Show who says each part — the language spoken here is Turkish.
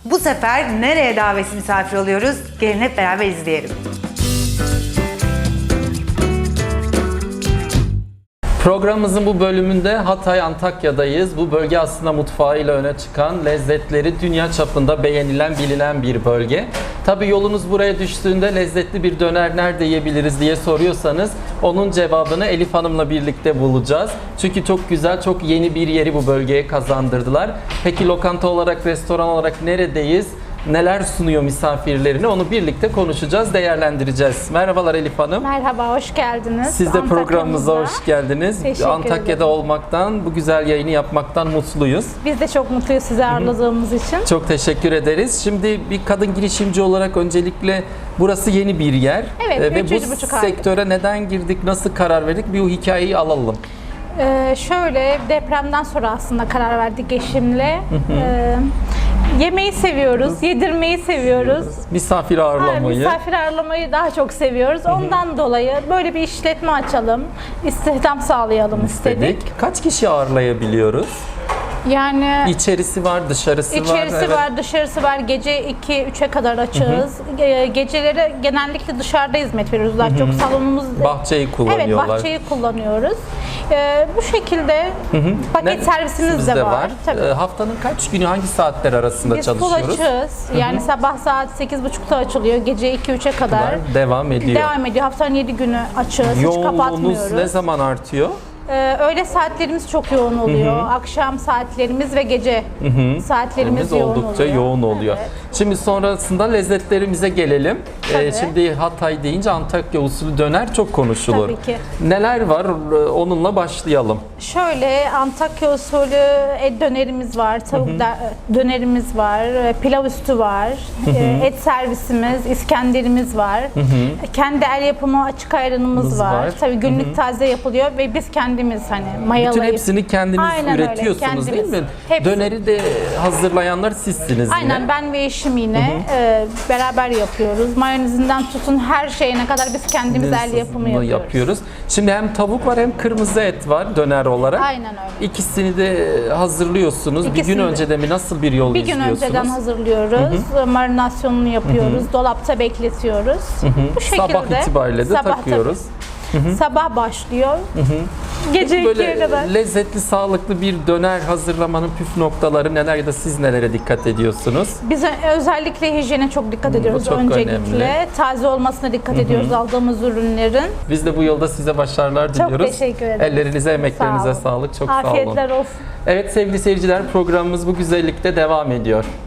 Speaker 1: Bu sefer nereye davetsiz misafir oluyoruz? Gelin hep beraber izleyelim.
Speaker 2: Programımızın bu bölümünde Hatay, Antakya'dayız. Bu bölge aslında mutfağıyla öne çıkan, lezzetleri dünya çapında beğenilen, bilinen bir bölge. Tabii yolunuz buraya düştüğünde lezzetli bir döner nerede yiyebiliriz diye soruyorsanız onun cevabını Elif Hanım'la birlikte bulacağız. Çünkü çok güzel, çok yeni bir yeri bu bölgeye kazandırdılar. Peki lokanta olarak, restoran olarak neredeyiz? Neler sunuyor misafirlerine onu birlikte konuşacağız, değerlendireceğiz. Merhabalar Elif Hanım.
Speaker 3: Merhaba, hoş geldiniz.
Speaker 2: Siz de programımıza hoş geldiniz.
Speaker 3: Teşekkür
Speaker 2: Antakya'da
Speaker 3: ederim.
Speaker 2: olmaktan, bu güzel yayını yapmaktan mutluyuz.
Speaker 3: Biz de çok mutluyuz sizi ağırladığımız için.
Speaker 2: Çok teşekkür ederiz. Şimdi bir kadın girişimci olarak öncelikle burası yeni bir yer.
Speaker 3: Evet,
Speaker 2: Ve bu
Speaker 3: 3,5 aylık.
Speaker 2: sektöre neden girdik, nasıl karar verdik bir o hikayeyi alalım.
Speaker 3: Şöyle depremden sonra aslında karar verdik eşimle. Yemeği seviyoruz, yedirmeyi seviyoruz.
Speaker 2: Misafir ağırlamayı.
Speaker 3: Misafir ağırlamayı daha çok seviyoruz. Ondan dolayı böyle bir işletme açalım, istihdam sağlayalım istedik.
Speaker 2: Kaç kişi ağırlayabiliyoruz?
Speaker 3: Yani
Speaker 2: İçerisi var, dışarısı var.
Speaker 3: İçerisi
Speaker 2: evet.
Speaker 3: var, dışarısı var. Gece 2-3'e kadar açığız. Geceleri genellikle dışarıda hizmet veriyoruz. Daha çok salonumuz...
Speaker 2: Bahçeyi kullanıyorlar.
Speaker 3: Evet, bahçeyi kullanıyoruz. Bu şekilde paket servisimiz de var. Tabii.
Speaker 2: Haftanın kaç günü, hangi saatler arasında
Speaker 3: Biz full
Speaker 2: çalışıyoruz?
Speaker 3: açığız. Yani sabah saat 8.30'da açılıyor. Gece 2-3'e kadar
Speaker 2: Devam ediyor.
Speaker 3: devam ediyor. Haftanın 7 günü açığız. Hiç
Speaker 2: Yoğunluğunuz
Speaker 3: kapatmıyoruz.
Speaker 2: ne zaman artıyor?
Speaker 3: Öğle saatlerimiz çok yoğun oluyor. Akşam saatlerimiz ve gece saatlerimiz yoğun
Speaker 2: oldukça
Speaker 3: oluyor.
Speaker 2: yoğun oluyor.
Speaker 3: Evet.
Speaker 2: Şimdi sonrasında lezzetlerimize gelelim.
Speaker 3: Tabii.
Speaker 2: Şimdi Hatay deyince Antakya usulü döner çok konuşulur.
Speaker 3: Tabii ki.
Speaker 2: Neler var? Onunla başlayalım.
Speaker 3: Şöyle Antakya usulü et dönerimiz var, tavuk dönerimiz var, pilav üstü var, et servisimiz, İskenderimiz var. Kendi el yapımı açık ayranımız var. Tabii günlük taze yapılıyor ve biz kendimiz hani mayalayıp.
Speaker 2: Bütün hepsini kendiniz
Speaker 3: Aynen öyle,
Speaker 2: üretiyorsunuz değil
Speaker 3: kendimiz.
Speaker 2: mi?
Speaker 3: Hepsi.
Speaker 2: Döneri de hazırlayanlar sizsiniz
Speaker 3: Aynen
Speaker 2: yine.
Speaker 3: ben ve eşim yine beraber yapıyoruz. Mayonezinden tutun her şeyine kadar biz kendimiz el yapımı yapıyoruz.
Speaker 2: Şimdi hem tavuk var hem kırmızı et var döner olarak.
Speaker 3: Aynen öyle.
Speaker 2: İkisini de hazırlıyorsunuz. Bir
Speaker 3: İkisini
Speaker 2: gün
Speaker 3: de.
Speaker 2: önceden mi, nasıl bir yol
Speaker 3: Bir gün
Speaker 2: izliyorsunuz?
Speaker 3: önceden hazırlıyoruz, marinasyonunu yapıyoruz, dolapta bekletiyoruz. Bu şekilde.
Speaker 2: Sabah itibariyle de
Speaker 3: Sabah
Speaker 2: takıyoruz.
Speaker 3: Sabah başlıyor. Gece 2'ye
Speaker 2: Böyle
Speaker 3: kadar.
Speaker 2: lezzetli, sağlıklı bir döner hazırlamanın püf noktaları neler ya da siz nelere dikkat ediyorsunuz?
Speaker 3: Biz özellikle hijyene çok dikkat ediyoruz
Speaker 2: çok
Speaker 3: öncelikle.
Speaker 2: önemli.
Speaker 3: Taze olmasına dikkat ediyoruz aldığımız ürünlerin.
Speaker 2: Biz de bu yolda size başarılar
Speaker 3: Çok
Speaker 2: diliyoruz.
Speaker 3: teşekkür ederim.
Speaker 2: Ellerinize, emeklerinize
Speaker 3: Sağ olun.
Speaker 2: sağlık. Çok sağ olun.
Speaker 3: Afiyetler olsun.
Speaker 2: Evet sevgili seyirciler, programımız bu güzellikte devam ediyor.